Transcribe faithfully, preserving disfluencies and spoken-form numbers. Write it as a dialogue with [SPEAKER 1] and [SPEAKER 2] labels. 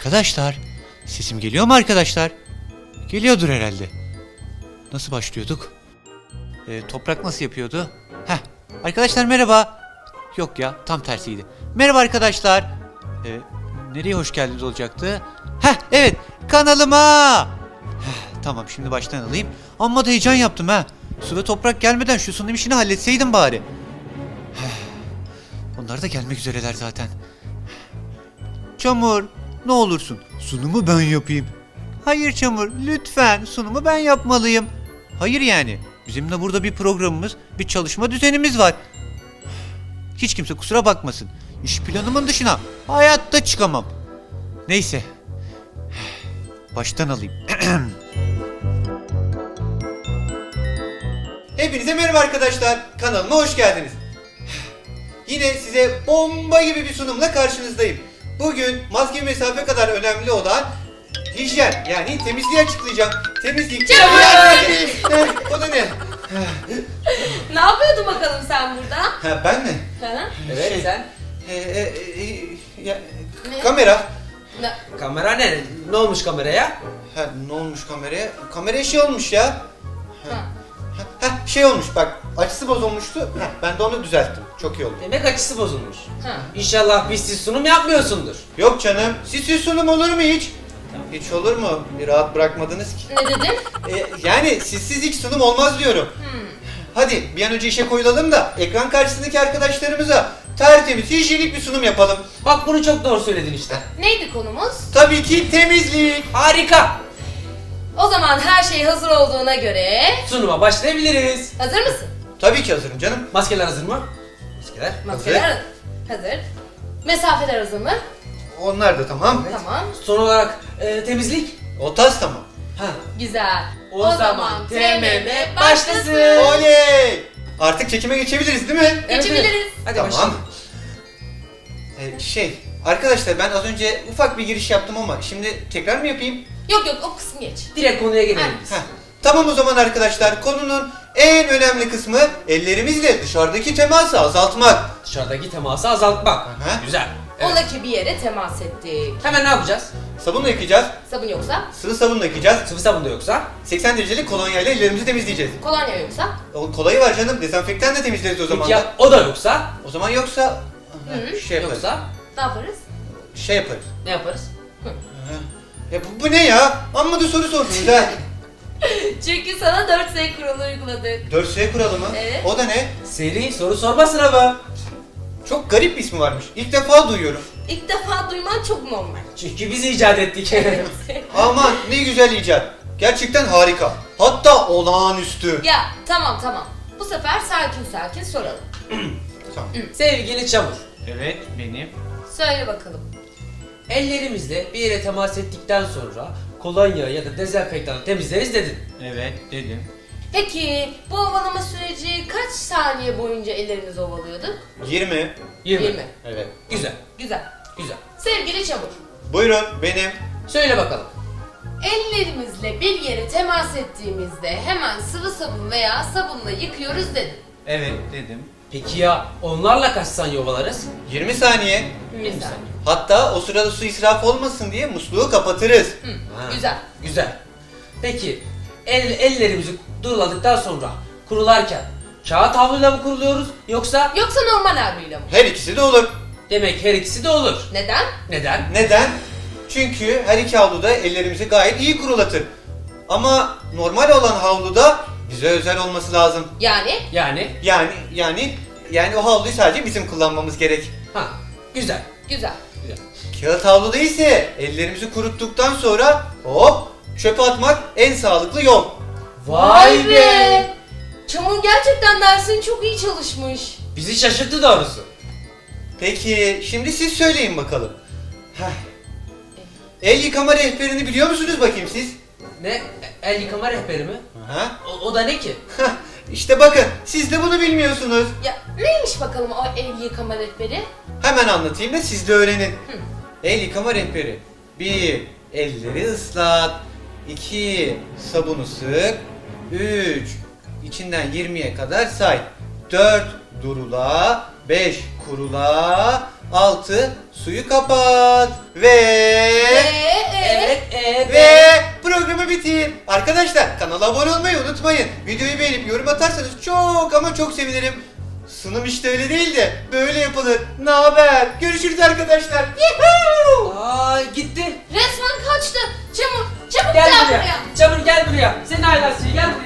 [SPEAKER 1] Arkadaşlar, sesim geliyor mu arkadaşlar? Geliyordur herhalde. Nasıl başlıyorduk? Ee, toprak nasıl yapıyordu? Heh, arkadaşlar merhaba. Yok ya, tam tersiydi. Merhaba arkadaşlar. Ee, nereye hoş geldiniz olacaktı? Heh, evet, kanalıma. Heh, tamam, şimdi baştan alayım. Amma da heyecan yaptım ha. Su ve toprak gelmeden şu sunum işini halletseydim bari. Heh, onlar da gelmek üzereler zaten. Çamur, ne olursun sunumu ben yapayım. Hayır Çamur, lütfen sunumu ben yapmalıyım. Hayır yani, bizim de burada bir programımız, bir çalışma düzenimiz var. Hiç kimse kusura bakmasın. İş planımın dışına hayatta çıkamam. Neyse. Baştan alayım. Hepinize merhaba arkadaşlar. Kanalıma hoş geldiniz. Yine size bomba gibi bir sunumla karşınızdayım. Bugün maske mesafe kadar önemli olan hijyen, yani temizliği açıklayacağım. Temizlik.
[SPEAKER 2] Çabuk!
[SPEAKER 1] Eh, o da ne?
[SPEAKER 2] Ne yapıyordun bakalım sen burada?
[SPEAKER 1] Ha, ben mi?
[SPEAKER 2] Ha?
[SPEAKER 3] Evet
[SPEAKER 1] Şey,
[SPEAKER 3] sen.
[SPEAKER 1] E, e, e, ya,
[SPEAKER 2] Ne?
[SPEAKER 1] kamera.
[SPEAKER 2] Ne?
[SPEAKER 3] Kamera ne? Ne olmuş kameraya?
[SPEAKER 1] Ha, ne olmuş kameraya? Kameraya şey olmuş ya.
[SPEAKER 2] Ha.
[SPEAKER 1] Ha, ha, şey olmuş bak, açısı bozulmuştu. Ha, ben de onu düzelttim. Çok iyi oldu.
[SPEAKER 3] Demek açısı bozulmuş.
[SPEAKER 2] Ha.
[SPEAKER 3] İnşallah bizsiz sunum yapmıyorsundur.
[SPEAKER 1] Yok canım, sizsiz sunum olur mu hiç? Hiç olur mu? Bir rahat bırakmadınız ki.
[SPEAKER 2] Ne dedin?
[SPEAKER 1] E, yani sizsiz hiç sunum olmaz diyorum.
[SPEAKER 2] Hmm.
[SPEAKER 1] Hadi bir an önce işe koyulalım da ekran karşısındaki arkadaşlarımıza tertemiz, hijyenik bir sunum yapalım.
[SPEAKER 3] Bak bunu çok doğru söyledin işte.
[SPEAKER 2] Neydi konumuz?
[SPEAKER 1] Tabii ki temizlik.
[SPEAKER 3] Harika.
[SPEAKER 2] O zaman her şey hazır olduğuna göre...
[SPEAKER 3] Sunuma başlayabiliriz.
[SPEAKER 2] Hazır mısın?
[SPEAKER 1] Tabii ki hazırım canım.
[SPEAKER 3] Maskeler hazır mı? Maskeler.
[SPEAKER 2] Maskeler hazır. Mesafeler hazır mı?
[SPEAKER 1] Onlar da tamam.
[SPEAKER 2] Tamam.
[SPEAKER 3] Son olarak e, temizlik.
[SPEAKER 1] O tas tamam.
[SPEAKER 3] Ha.
[SPEAKER 2] Güzel.
[SPEAKER 3] O zaman T M M başlasın.
[SPEAKER 1] Oley! Artık çekime geçebiliriz değil mi?
[SPEAKER 3] Evet,
[SPEAKER 2] Geçebiliriz.
[SPEAKER 3] evet. Hadi
[SPEAKER 1] Tamam.
[SPEAKER 3] başlayalım.
[SPEAKER 1] Ee, şey, arkadaşlar ben az önce ufak bir giriş yaptım ama şimdi tekrar mı yapayım?
[SPEAKER 2] Yok yok o kısmı geç.
[SPEAKER 3] Direkt konuya gelelim biz.
[SPEAKER 1] Heh. Tamam o zaman arkadaşlar, konunun en önemli kısmı ellerimizle dışarıdaki teması azaltmak.
[SPEAKER 3] Dışarıdaki teması azaltmak.
[SPEAKER 1] Aha.
[SPEAKER 3] Güzel.
[SPEAKER 2] Ola ki bir yere temas ettik.
[SPEAKER 3] Hemen ne yapacağız?
[SPEAKER 1] Sabunla yıkayacağız,
[SPEAKER 2] Sabun yoksa?
[SPEAKER 1] sıvı sabunla yıkayacağız,
[SPEAKER 3] Sıvı sabun da yoksa?
[SPEAKER 1] seksen derecelik kolonyayla ellerimizi temizleyeceğiz.
[SPEAKER 2] Kolonya yoksa?
[SPEAKER 1] O kolayı var canım, dezenfektan da temizleriz o zaman
[SPEAKER 3] Peki
[SPEAKER 1] da.
[SPEAKER 3] ya o da yoksa?
[SPEAKER 1] O zaman yoksa
[SPEAKER 2] Hı.
[SPEAKER 1] şey yaparız.
[SPEAKER 3] Yoksa
[SPEAKER 2] Ne yaparız?
[SPEAKER 1] Şey yaparız.
[SPEAKER 3] ne yaparız?
[SPEAKER 1] Ya bu, bu ne ya? Amma da soru sordunuz ha.
[SPEAKER 2] Çünkü sana dört S kuralı uyguladık.
[SPEAKER 1] dört S kuralı mı?
[SPEAKER 2] Evet.
[SPEAKER 1] O da ne?
[SPEAKER 3] Seri soru sorma sınavı.
[SPEAKER 1] Çok garip bir ismi varmış. İlk defa duyuyorum.
[SPEAKER 2] İlk defa duyman çok normal.
[SPEAKER 3] Çünkü biz icat ettik.
[SPEAKER 1] Aman ne güzel icat. Gerçekten harika. Hatta olağanüstü.
[SPEAKER 2] Ya tamam tamam. Bu sefer sakin sakin soralım.
[SPEAKER 1] Tamam.
[SPEAKER 3] Sevgili Çamur.
[SPEAKER 1] Evet benim.
[SPEAKER 2] Söyle bakalım.
[SPEAKER 3] Ellerimizle bir yere temas ettikten sonra kolonya ya da dezenfektanla temizleriz dedin.
[SPEAKER 1] Evet dedim.
[SPEAKER 2] Peki bu ovalama süreci kaç saniye boyunca ellerimizi ovalıyorduk?
[SPEAKER 1] yirmi.
[SPEAKER 3] yirmi.
[SPEAKER 2] yirmi.
[SPEAKER 1] Evet.
[SPEAKER 3] Güzel,
[SPEAKER 2] Güzel.
[SPEAKER 3] güzel.
[SPEAKER 2] Sevgili Çamur,
[SPEAKER 1] Buyurun benim.
[SPEAKER 3] Söyle bakalım.
[SPEAKER 2] ellerimizle bir yere temas ettiğimizde hemen sıvı sabun veya sabunla yıkıyoruz dedin.
[SPEAKER 1] Evet dedim.
[SPEAKER 3] Peki ya onlarla kaç saniye ovalarız?
[SPEAKER 1] yirmi saniye.
[SPEAKER 2] Güzel.
[SPEAKER 1] Hatta o sırada su israfı olmasın diye musluğu kapatırız.
[SPEAKER 2] Hı,
[SPEAKER 3] Ha,
[SPEAKER 2] güzel.
[SPEAKER 3] Güzel. Peki el, ellerimizi duruladıktan sonra kurularken kağıt havluyla mı kuruluyoruz yoksa
[SPEAKER 2] Yoksa normal havluyla mı?
[SPEAKER 1] Her ikisi de olur.
[SPEAKER 3] demek her ikisi de olur.
[SPEAKER 2] Neden?
[SPEAKER 3] Neden?
[SPEAKER 1] Neden? Çünkü her iki havluda ellerimizi gayet iyi kurulatır. Ama normal olan havluda bize özel olması lazım.
[SPEAKER 2] Yani?
[SPEAKER 3] Yani
[SPEAKER 1] Yani yani yani o havluyu sadece bizim kullanmamız gerek.
[SPEAKER 3] ha güzel.
[SPEAKER 2] Güzel.
[SPEAKER 3] Güzel.
[SPEAKER 1] Kağıt havluda ise ellerimizi kuruttuktan sonra hop çöpe atmak en sağlıklı yol.
[SPEAKER 2] Çamur gerçekten dersini çok iyi çalışmış.
[SPEAKER 3] Bizi şaşırttı doğrusu.
[SPEAKER 1] Peki şimdi siz söyleyin bakalım. Heh. El yıkama rehberini biliyor musunuz bakayım siz?
[SPEAKER 3] Ne? El yıkama rehberi mi?
[SPEAKER 1] Aha.
[SPEAKER 3] O, o da ne ki?
[SPEAKER 1] İşte bakın siz de bunu bilmiyorsunuz.
[SPEAKER 2] Ya neymiş bakalım o el yıkama rehberi?
[SPEAKER 1] Hemen anlatayım da siz de öğrenin. El yıkama rehberi. bir. Elleri ıslat. iki. Sabunu sık. üç. İçinden yirmiye kadar say. dört durula, beş kurula, altı suyu kapat ve
[SPEAKER 2] Ee,
[SPEAKER 3] Evet, e,
[SPEAKER 1] ve programı bitir. Arkadaşlar kanala abone olmayı unutmayın. Videoyu beğenip yorum atarsanız çok ama çok sevinirim. Sunum işte öyle değil de böyle yapılır. Ne haber? Görüşürüz arkadaşlar. Yuhuu!
[SPEAKER 3] Aa, gitti.
[SPEAKER 2] resmen kaçtı. Çamur, çabuk
[SPEAKER 3] Gel
[SPEAKER 2] gel
[SPEAKER 3] buraya.
[SPEAKER 2] buraya.
[SPEAKER 3] Çamur gel buraya. Senin ailesi gel